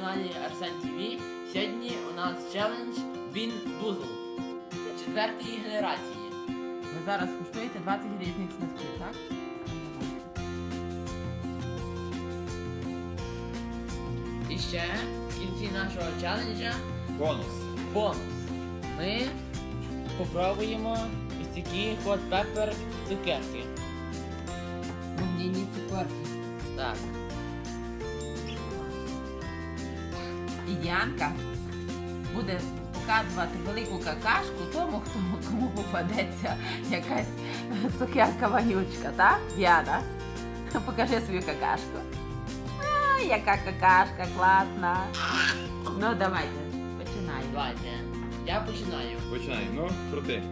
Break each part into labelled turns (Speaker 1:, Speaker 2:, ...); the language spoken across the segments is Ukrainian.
Speaker 1: каналі Арсен ТВ. Сьогодні у нас челендж Bean Boozled 4-ї генерації.
Speaker 2: Ви зараз куштуєте 20 різних смаків, так?
Speaker 1: І ще в кінці нашого челенджа
Speaker 3: Бонус.
Speaker 1: Ми попробуємо ось такі Hot Pepper цукерки.
Speaker 2: Вогняні цукерки.
Speaker 1: Так.
Speaker 2: І Янка буде показувати велику какашку тому, кому попадеться якась цукерка вонючка, так? Діана, покажи свою какашку. А, яка какашка класна. Ну, давайте, починаємо.
Speaker 1: Давайте. Я починаю.
Speaker 3: Починай, ну, крути.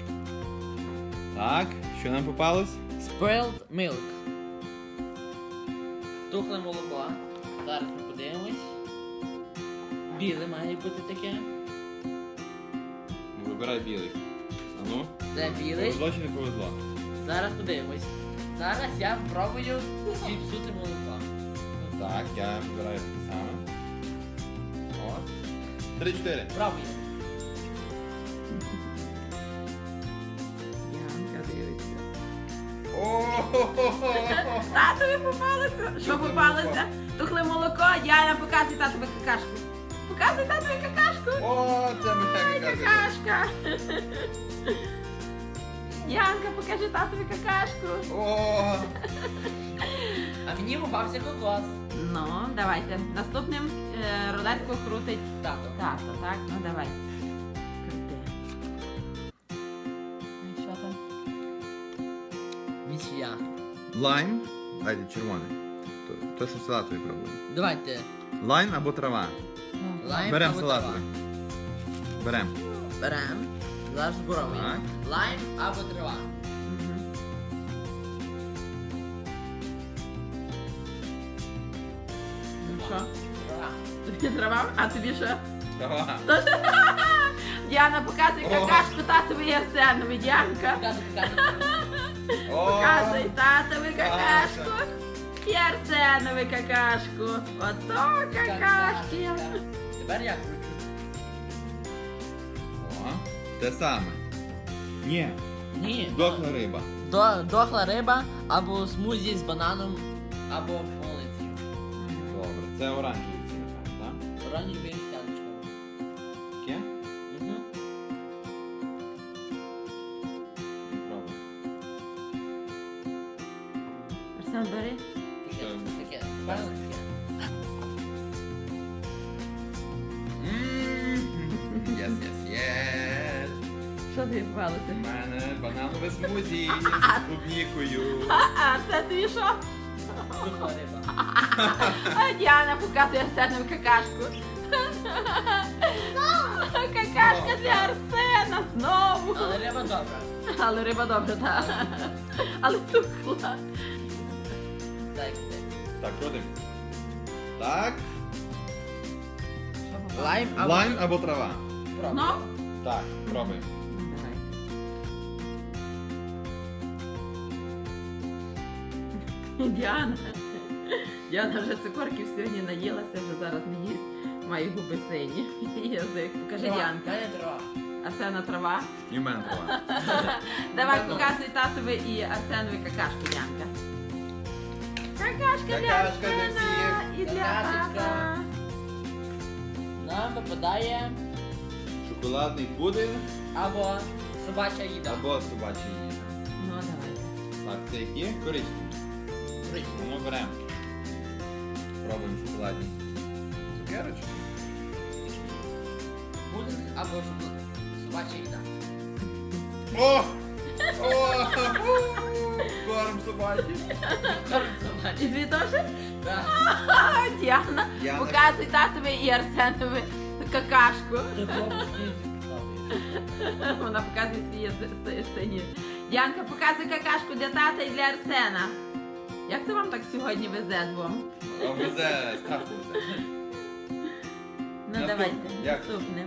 Speaker 3: Так, що нам попалось?
Speaker 1: Spoiled Milk. Тухле молоко. Зараз ми подивимось. Біле має бути таке.
Speaker 3: Ну, вибирай білий. А ну,
Speaker 1: Це білий.
Speaker 3: повезло чи не повезло?
Speaker 1: Зараз подивимось. Зараз я спробую зіпсути молоко.
Speaker 3: Так, я вибираю таке саме. О. 3-4.
Speaker 1: Пробуємо.
Speaker 2: Янка дивиться.
Speaker 3: О-хо-хо-хо!
Speaker 2: Татові попалося. Що попалося? Тухле молоко, Діана, показуй татові какашку. Показуй татові какашку.
Speaker 3: О, це моя
Speaker 2: Какашка. Янка, покажи татові какашку.
Speaker 3: О!
Speaker 1: А мені попався кокос.
Speaker 2: Ну, давайте. Наступним рулетку крутить
Speaker 1: Тато.
Speaker 2: тато, так? Ну, давай. Крути. Ну, і що там?
Speaker 1: Нічия.
Speaker 3: Лайм. Дайте червоний. То, що салатовий пробуємо.
Speaker 1: Давайте.
Speaker 3: Лайм або трава.
Speaker 2: Ну,
Speaker 1: Лайм
Speaker 3: Берем
Speaker 1: або
Speaker 3: салатовий. Берем.
Speaker 1: трава. Берем. Зараз зборовуємо.
Speaker 3: Так.
Speaker 1: Лайм або трава.
Speaker 2: мгм. Ну що?
Speaker 1: Трава.
Speaker 2: Тобі трава? А тобі що?
Speaker 3: Трава.
Speaker 2: Діана, показуй
Speaker 3: О.
Speaker 2: какашку татові і Арсенові, Діанка.
Speaker 3: О!
Speaker 2: Показуй татові какашку і Арсенові какашку. Ото какашки.
Speaker 1: Тепер я кручу.
Speaker 3: О, те саме. Ні,
Speaker 1: Ні.
Speaker 3: дохла риба.
Speaker 1: Дохла риба або смузі з бананом, або полицею.
Speaker 3: Добре, це оранжевий ці, напевно, так?
Speaker 1: Оранжеві сядочками.
Speaker 3: Таке?
Speaker 1: Угу.
Speaker 3: Пробуй.
Speaker 2: Арсен, бери.
Speaker 3: Що?
Speaker 1: Таке. Правильно таке.
Speaker 3: Єс, єс, єс.
Speaker 2: Що тобі
Speaker 3: У
Speaker 2: попалося?
Speaker 3: мене бананове смузі з клубнікою.
Speaker 2: А це тобі що?
Speaker 1: Дохла риба.
Speaker 2: А Діана показує Арсенові какашку. Какашка для Арсена знову.
Speaker 1: Але риба добра.
Speaker 2: Але риба добра, так. Але тухла.
Speaker 1: Так.
Speaker 3: Так, крутим. Так.
Speaker 1: Лайм або...
Speaker 3: Лайм або трава.
Speaker 1: Пробуй.
Speaker 2: Знов?
Speaker 3: Так, пробуємо.
Speaker 2: Давай. Діана. Діана вже цукорків сьогодні наїлася, вже зараз не їсть. Має губи сині. І язик. Покажи,
Speaker 1: Трава.
Speaker 2: Діанка.
Speaker 1: Мене трава.
Speaker 2: Арсена трава.
Speaker 3: І в мене трава.
Speaker 2: Давай показуй татові і Арсенові какашку, Діанка. Какашка для
Speaker 3: Какашка для
Speaker 2: Арсена
Speaker 3: всіх.
Speaker 2: і для
Speaker 1: Какашечка.
Speaker 2: тата.
Speaker 1: Нам випадає
Speaker 3: Шоколадний пудинг
Speaker 1: або собача їда.
Speaker 3: або собачий їжа.
Speaker 2: Ну, давайте.
Speaker 3: Так, це які? Коричневі. Ну, ми беремо. Пробуємо шоколадні цукерочки.
Speaker 1: Пудинг або собача їда.
Speaker 3: О! О! Корм собачий.
Speaker 1: Корм собачий.
Speaker 2: І дві теж?
Speaker 1: Так.
Speaker 2: А, Діана,
Speaker 3: Діана.
Speaker 2: показуй татові і Арсенові какашку.
Speaker 1: Ти пробуєш їсти.
Speaker 2: Вона показує свої сині. Діанка, показуй какашку для тата і для Арсена. Як то вам так сьогодні везе двом?
Speaker 3: А везе, страшно везе.
Speaker 2: Ну
Speaker 3: Наступ-
Speaker 2: давайте,
Speaker 3: як?
Speaker 2: наступне.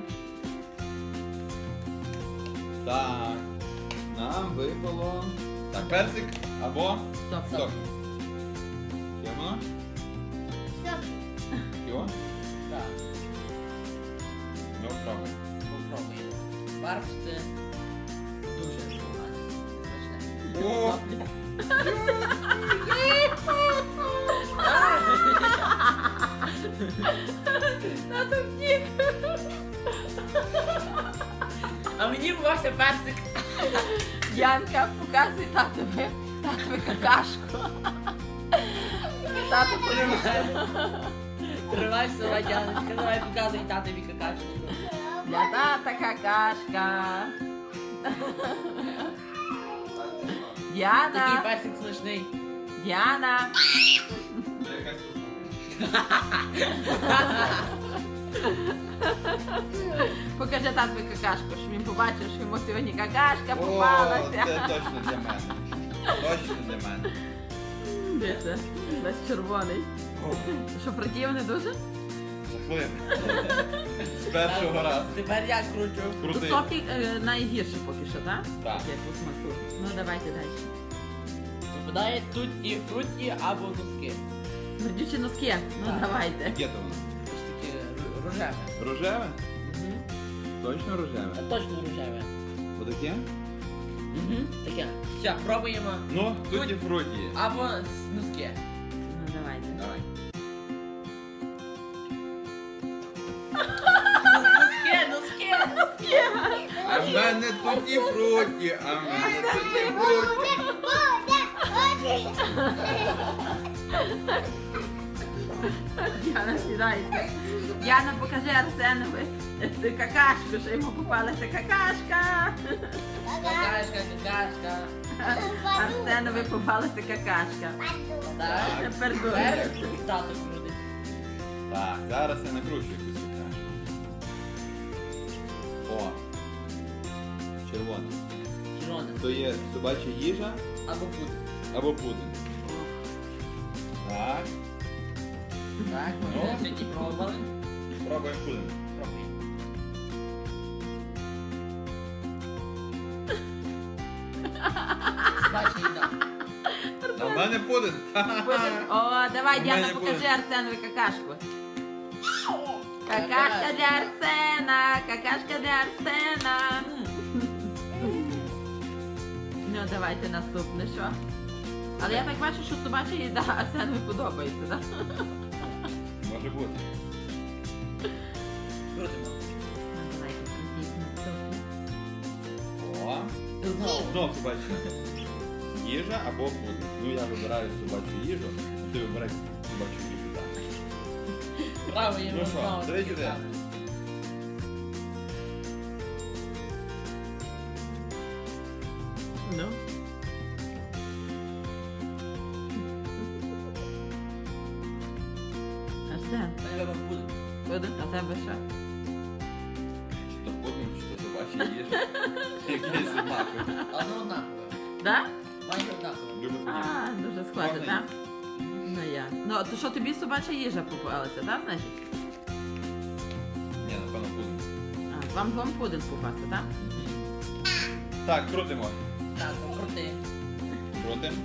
Speaker 3: Так. Нам випало. Так, персик або
Speaker 2: Стоп.
Speaker 3: сок. Є воно? Його?
Speaker 1: Так.
Speaker 3: Пробуй.
Speaker 1: Попробуємо. Барф це дуже непогано. Смачне.
Speaker 3: О!
Speaker 2: Тато втік.
Speaker 1: А мені бувався персик.
Speaker 2: Янка, показуй татові какашку. Тато подивився.
Speaker 1: Тривай села, Яночка, давай показуй татові какашку.
Speaker 2: Для тата какашка.
Speaker 1: Такий
Speaker 2: Діана,
Speaker 1: персик смачний.
Speaker 2: Діана. Покажи татові какашку, щоб він побачив, що йому сьогодні какашка
Speaker 3: О,
Speaker 2: попалася.
Speaker 3: це точно для мене. Точно для мене.
Speaker 2: Де це? Весь червоний. Що, противний дуже?
Speaker 3: Жахливо. З першого разу.
Speaker 1: Тепер я кручу.
Speaker 2: Тут
Speaker 3: Крутий.
Speaker 2: соки найгірше поки що, так?
Speaker 3: Так.
Speaker 2: Як у смаку. Ну давайте далі.
Speaker 1: Попадає тут і фруті або носки.
Speaker 2: Смердючі носки. Ну
Speaker 1: Так.
Speaker 2: давайте.
Speaker 3: Яке то воно?
Speaker 1: Ось таке рожеве.
Speaker 3: Рожеве? Точно рожеве?
Speaker 1: Точно рожеве.
Speaker 3: Отаке?
Speaker 1: Таке. Все, пробуємо.
Speaker 3: Ну, тут і фруті є.
Speaker 1: Або носки.
Speaker 2: Ну давайте.
Speaker 3: Давай.
Speaker 1: Носки.
Speaker 3: А в мене тут і фруті, а в мене тут і фруті.
Speaker 2: Діана, сідайте. Діана, покажи Арсенові какашку, що йому попалася какашка.
Speaker 1: Какашка.
Speaker 2: Арсенові попалася какашка.
Speaker 1: Так.
Speaker 2: Тепер
Speaker 1: Тепер
Speaker 2: дуже.
Speaker 1: тато крутить.
Speaker 3: Так, зараз я накручу якусь какашку. О. Червона.
Speaker 1: Червоне.
Speaker 3: То є собача їжа
Speaker 1: Або пудинг.
Speaker 3: або пудинг. Так,
Speaker 1: Так,
Speaker 3: Ну.
Speaker 1: ми сьогодні пробували.
Speaker 3: пробуємо пудинг.
Speaker 1: Пробуємо. Собача їда.
Speaker 3: А в мене пудинг.
Speaker 2: О, давай,
Speaker 3: У
Speaker 2: Діана,
Speaker 3: мене
Speaker 2: покажи
Speaker 3: буде.
Speaker 2: Арсенові какашку. Какашка для Арсена, какашка для Арсена. Ну, давайте наступне, що? Але я так бачу, що собача їда Арсенові подобається, так?
Speaker 3: Може бути.
Speaker 1: Крутимо.
Speaker 2: Ну, давайте крутіть наступне.
Speaker 3: О.
Speaker 1: Знову.
Speaker 3: Знов собача їжа або пудинг. Ну я вибираю собачу їжу, а ти вибирай собачу їжу. Так.
Speaker 1: Пробуємо
Speaker 3: Ну що,
Speaker 1: знову.
Speaker 3: 3-4.
Speaker 2: Ну. Арсен,
Speaker 1: Мене вибрав пудинг.
Speaker 2: буде, а тебе що?
Speaker 3: Чи то пудинг, чи то собача їжа. Якийсь однаковий.
Speaker 1: Одно однакове.
Speaker 2: Да?
Speaker 1: Майже однакове.
Speaker 3: Дуже подібно.
Speaker 2: А, дуже схоже,
Speaker 3: Можна
Speaker 2: так? Ну я. Ну, то що тобі собача їжа попалася, так, значить?
Speaker 3: Ні, напевно пудинг.
Speaker 2: А, вам пудинг попався, так?
Speaker 3: Так, крутимо.
Speaker 1: Так, крути.
Speaker 3: Крутим.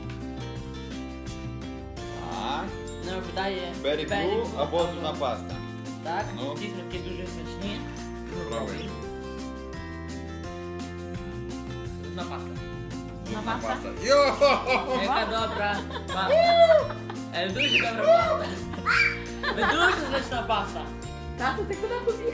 Speaker 3: Так.
Speaker 1: Не випадає
Speaker 3: Бері Блю або зубна паста.
Speaker 1: Так,
Speaker 3: Ну.
Speaker 1: ці смаки дуже смачні.
Speaker 3: Пробуємо.
Speaker 1: Зубна паста.
Speaker 3: Зубна
Speaker 2: паста?
Speaker 3: паста. Йо!
Speaker 1: Яка добра паста. Дуже добра паста. Дуже смачна паста.
Speaker 2: Тато, ти куди побіг?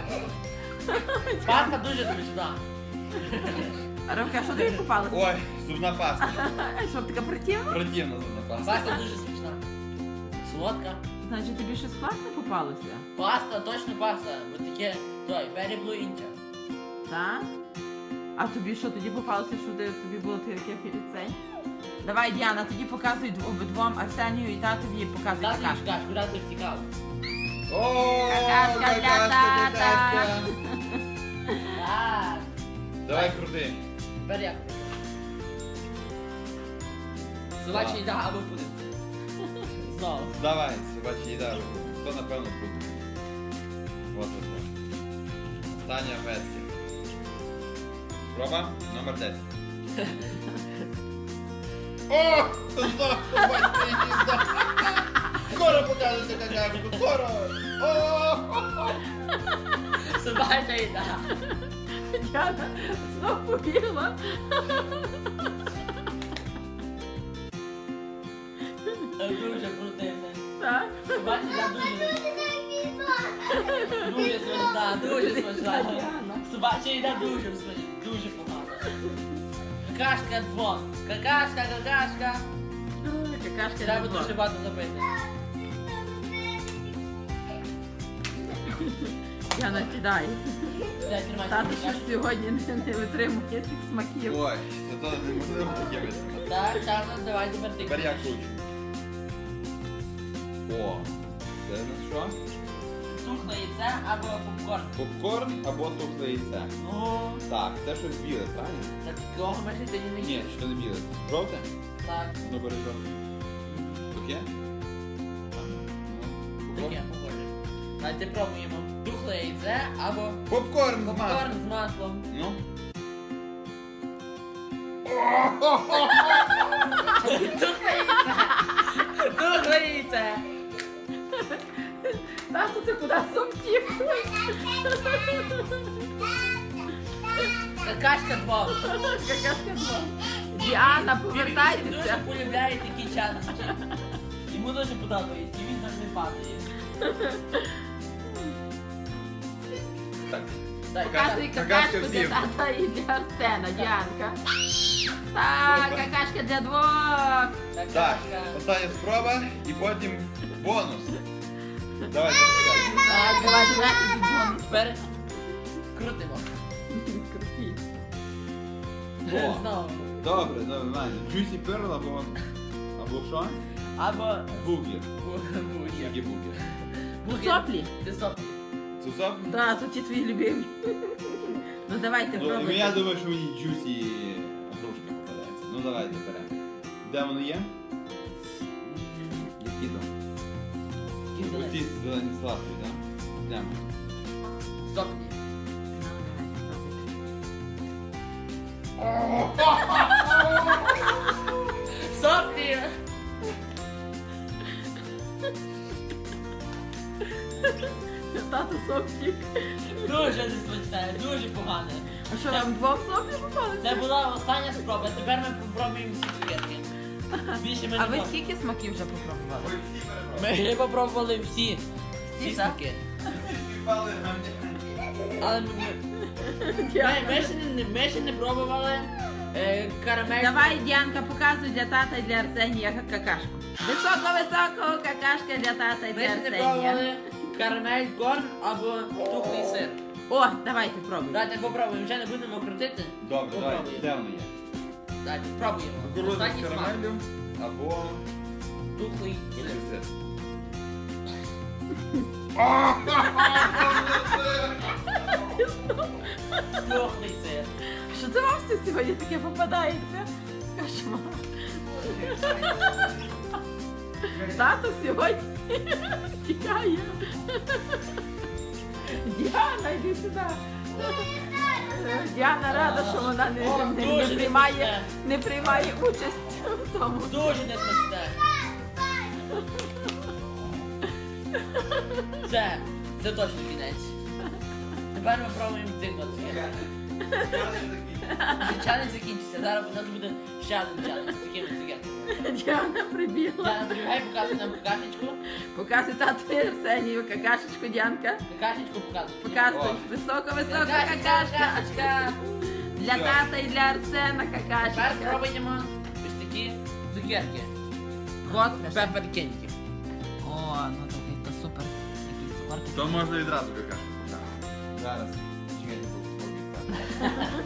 Speaker 1: Паста дуже смачна.
Speaker 2: Ромка, що тобі попалося?
Speaker 3: Ой, зубна паста.
Speaker 2: Що, така противна?
Speaker 3: Противна зубна паста.
Speaker 1: Паста дуже смачна. Солодка.
Speaker 2: Значить, тобі щось класне попалося?
Speaker 1: Паста, точно паста. Бо таке, той, Berry Blue India.
Speaker 2: Так? А тобі що тоді попалося, що тобі було таке цей? Давай, Діана, тоді показуй обидвом Арсенію і татові показуй
Speaker 1: Тато
Speaker 2: какашку.
Speaker 1: їж кашку, раз ти втікав.
Speaker 3: О,
Speaker 2: Какашка для
Speaker 3: какашка,
Speaker 2: тата.
Speaker 3: какашка.
Speaker 1: Так.
Speaker 3: Давай крути.
Speaker 1: Тепер я кручу. Собача
Speaker 3: Так.
Speaker 1: їда або пудинг. Знову.
Speaker 3: Давай, собача їда. То напевно пудинг. Вот вот. Остання версія. Проба номер 10. О! Знов собача їда! Скоро покажете какашку, скоро! О!
Speaker 1: Собача їда.
Speaker 2: Діана знов побігла.
Speaker 1: Дуже противне.
Speaker 2: Так.
Speaker 1: Собача їда дуже смачна, дуже смачна. Собача їда дуже смачна, дуже погана. Какашка двон. Какашка.
Speaker 2: Какашка
Speaker 1: Треба
Speaker 2: не
Speaker 1: дуже
Speaker 2: була.
Speaker 1: багато запити.
Speaker 2: Діана, сідай.
Speaker 1: Дай, тримай
Speaker 2: Тато
Speaker 1: собі
Speaker 2: ще ж
Speaker 1: какашку.
Speaker 2: сьогодні не витримує цих смаків.
Speaker 3: Ой, це то неможливо таке витримати.
Speaker 1: Так, Чарно, давай тепер ти.
Speaker 3: Тепер я кручу. О, це на що?
Speaker 1: Тухле яйце або попкорн.
Speaker 3: Попкорн або тухле яйце.
Speaker 1: О,
Speaker 3: Так, це щось біле, правильно?
Speaker 1: так такого ми ще сьогодні не
Speaker 3: Ні,
Speaker 1: їли.
Speaker 3: що не біле. Жовте?
Speaker 1: Так,
Speaker 3: Ну бери жовте. Таке?
Speaker 1: таке похоже. Давайте пробуємо. Тухле яйце або
Speaker 3: Попкорн з
Speaker 1: попкорн
Speaker 3: маслом.
Speaker 1: з маслом.
Speaker 3: Ну.
Speaker 1: Тухле яйце! Тухле яйце!
Speaker 2: Тато, ти куди сумтів?
Speaker 1: Какашка двох.
Speaker 2: Какашка двох. Діана,
Speaker 1: Він
Speaker 2: повертайтеся.
Speaker 1: дуже полюбляє такі челенджі. Йому дуже подобається, і він завжди падає.
Speaker 3: Так.
Speaker 1: Так,
Speaker 2: Показуй
Speaker 3: Какашка
Speaker 2: какашку для
Speaker 3: всім.
Speaker 2: тата і для Арсена, Діанка. Так, какашка для двох.
Speaker 3: Так,
Speaker 1: какашка.
Speaker 3: остання спроба і потім бонус. Давай, почекай.
Speaker 1: Так,
Speaker 2: Давай, давай, бонус.
Speaker 1: Тепер крутимо.
Speaker 2: Крутіть.
Speaker 3: О.
Speaker 1: Знову.
Speaker 3: Добре, нормально. Juicy Pearl або що?
Speaker 1: Або
Speaker 3: Бугер.
Speaker 1: бужі.
Speaker 3: Які бугер?
Speaker 2: Соплі?
Speaker 1: Це соплі.
Speaker 3: Це соп?
Speaker 2: Так, тут ті твої любимі. Ну давайте
Speaker 3: Ну, я
Speaker 2: пробуйте.
Speaker 3: думаю, що мені Juicy грушка попадається. Ну давайте беремо. Де воно є? Які там? Оці зелені сладкі, так? Прямо.
Speaker 1: Соплі. Соплі.
Speaker 2: Тато соплі.
Speaker 1: Дуже несмачне, дуже погане.
Speaker 2: А що, вам двох соплі попали?
Speaker 1: Це була остання спроба, тепер ми попробуємо всі цукерки. Більше ми
Speaker 2: А
Speaker 1: не
Speaker 2: ви
Speaker 1: можемо.
Speaker 2: скільки смаків вже попробували?
Speaker 3: Ой, всі перебрали.
Speaker 1: Ми попробували всі. Всі
Speaker 2: Всі, так?
Speaker 1: смаки.
Speaker 3: Всі співпали на мене.
Speaker 1: Але ми ще не пробували карамель.
Speaker 2: Давай, Діанка, показуй для тата і для Арсенія какашку. Високо-високо какашка для тата і
Speaker 1: Ми
Speaker 2: для
Speaker 1: ще не
Speaker 2: Арсенія.
Speaker 1: пробували карамель, корн або тухлий сир.
Speaker 2: О, давайте пробуйте.
Speaker 1: Давайте попробуємо, вже не будемо крутити.
Speaker 3: Добре, давай.
Speaker 1: Попробуємо.
Speaker 3: Де воно є?
Speaker 1: Давайте пробуємо.
Speaker 3: Кукурудза
Speaker 1: Останній
Speaker 3: з
Speaker 1: смак.
Speaker 3: карамеллю або
Speaker 1: Тухлий сир.
Speaker 3: сир.
Speaker 1: Тухлий сир.
Speaker 2: Що це вам все сьогодні таке попадається? Кошмар. Тато сьогодні тікає. Діана, йди сюди. Діана рада, що вона не приймає участь в тому.
Speaker 1: Дуже несмачне. Це точно кінець. Тепер ми пробуємо цих два цукерки. Челендж закінчиться. Зараз у нас буде ще один челендж з такими цукерками.
Speaker 2: Діана прибігла.
Speaker 1: Діана, прибігай, показуй нам какашечку.
Speaker 2: Показуй тату Арсенію какашечку, Діанка.
Speaker 1: Какашечку показуй.
Speaker 2: Показуй.
Speaker 3: О.
Speaker 2: Високо-високо
Speaker 1: Какашечка,
Speaker 2: какашка.
Speaker 1: какашечка.
Speaker 2: Для
Speaker 3: Всё.
Speaker 2: тата і для Арсена
Speaker 1: Тепер
Speaker 2: какашечка.
Speaker 1: пробуємо ось такі цукерки. Hot Pepper Candy.
Speaker 2: О, ну то супер. Якісь цукорки.
Speaker 3: То можна відразу какашку показати. Зараз. Чекайте, поки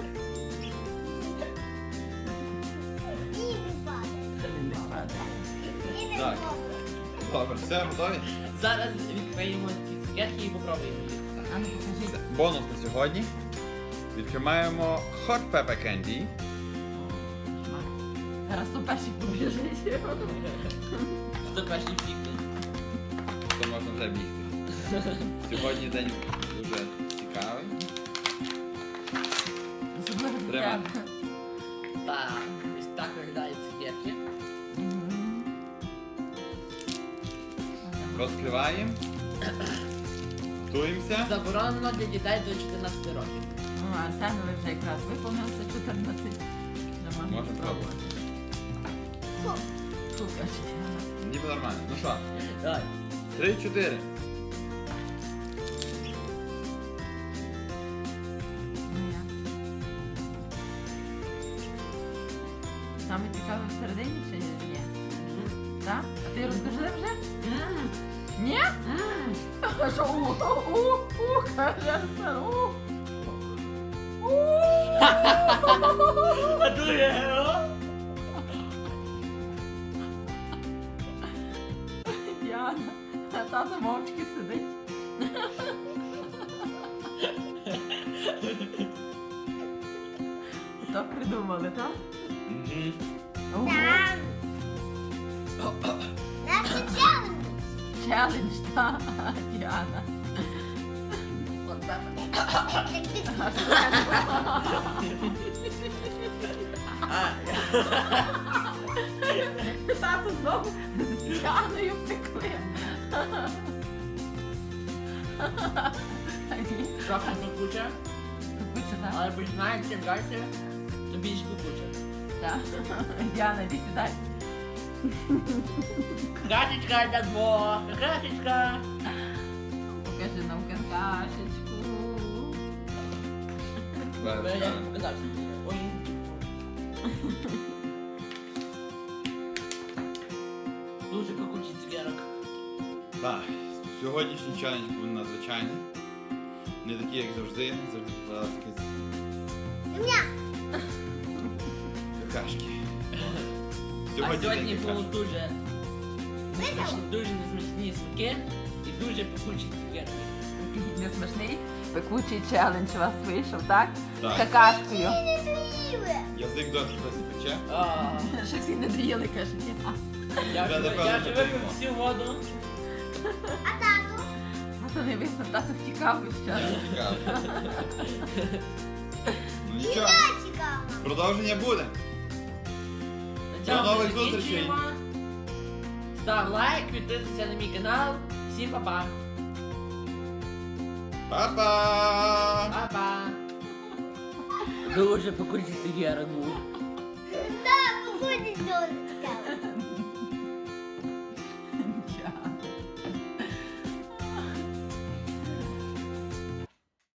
Speaker 3: Так. Добре, все, готові?
Speaker 1: Зараз відкриємо ці цукерки і попробуємо їх.
Speaker 2: А ну покажи.
Speaker 3: Це бонус на сьогодні. Відкриваємо Hot Pepper Candy.
Speaker 2: Зараз то перший побіжить.
Speaker 1: Хто перший втікне?
Speaker 3: То можна вже бігти. Сьогодні день дуже цікавий.
Speaker 2: Особливо для
Speaker 3: Тримай.
Speaker 2: тебе.
Speaker 1: Так, ось так виглядають цукерки.
Speaker 2: Мгм.
Speaker 3: Розкриваємо. Готуємося.
Speaker 1: Заборонено для дітей до 14 років.
Speaker 2: Ну, Арсенові вже якраз виповнилося 14. Не можна
Speaker 3: Можна
Speaker 2: спробувати. Фу, каже Діана.
Speaker 3: Ніби нормально. Ну що,
Speaker 1: Давай.
Speaker 3: 3-4.
Speaker 2: Ну як? Саме цікаве всередині чи ні? Так? А ти розкажи вже? Ні? А що? Каже Арсен,
Speaker 1: А дуже,
Speaker 2: Діана, а тато мовчки сидить. Так придумали, так?
Speaker 3: Мгм.
Speaker 2: Ого. Челендж, так, Діана. Тату знову з Діаною втекли.
Speaker 1: Трохи кукуча,
Speaker 2: Куча, так?
Speaker 1: але починає чим далі, то більш кукуча.
Speaker 2: Так. Діана, іди сідай.
Speaker 1: Кашечка для двох, кашечка.
Speaker 2: Покажи нам какашечку.
Speaker 3: Давай,
Speaker 1: Я
Speaker 3: розкажемо.
Speaker 1: не показав. Ой. Дуже кукучий цукерок.
Speaker 3: Так, сьогоднішній челендж був надзвичайний. Не такий, як завжди. Завжди покладалася якась какашки.
Speaker 1: А
Speaker 3: Сьогодні
Speaker 1: сьогодні
Speaker 3: день
Speaker 1: було
Speaker 3: какашок.
Speaker 1: дуже несмачні смаки і дуже пекучі цукерки.
Speaker 2: Несмішний пекучий челендж у вас вийшов, так? З
Speaker 3: Так.
Speaker 2: какашкою.
Speaker 3: Язик досі досі пече.
Speaker 2: Що всі не доїли, каже Діана.
Speaker 1: Я
Speaker 3: Вже,
Speaker 1: вже
Speaker 3: напевно,
Speaker 1: випив
Speaker 3: потрібно.
Speaker 1: всю воду.
Speaker 2: А то не видно, тато втікав і ще.
Speaker 3: Цікаво. Ну нічого, продовження буде.
Speaker 1: На цьому
Speaker 3: До нових
Speaker 1: ми
Speaker 3: зустрічей.
Speaker 1: закінчуємо. Став лайк, підписуйся на мій канал. Всім па-па.
Speaker 3: Па-па!
Speaker 1: Па-па. Дуже пекучий цукерок був.
Speaker 4: Да, походить до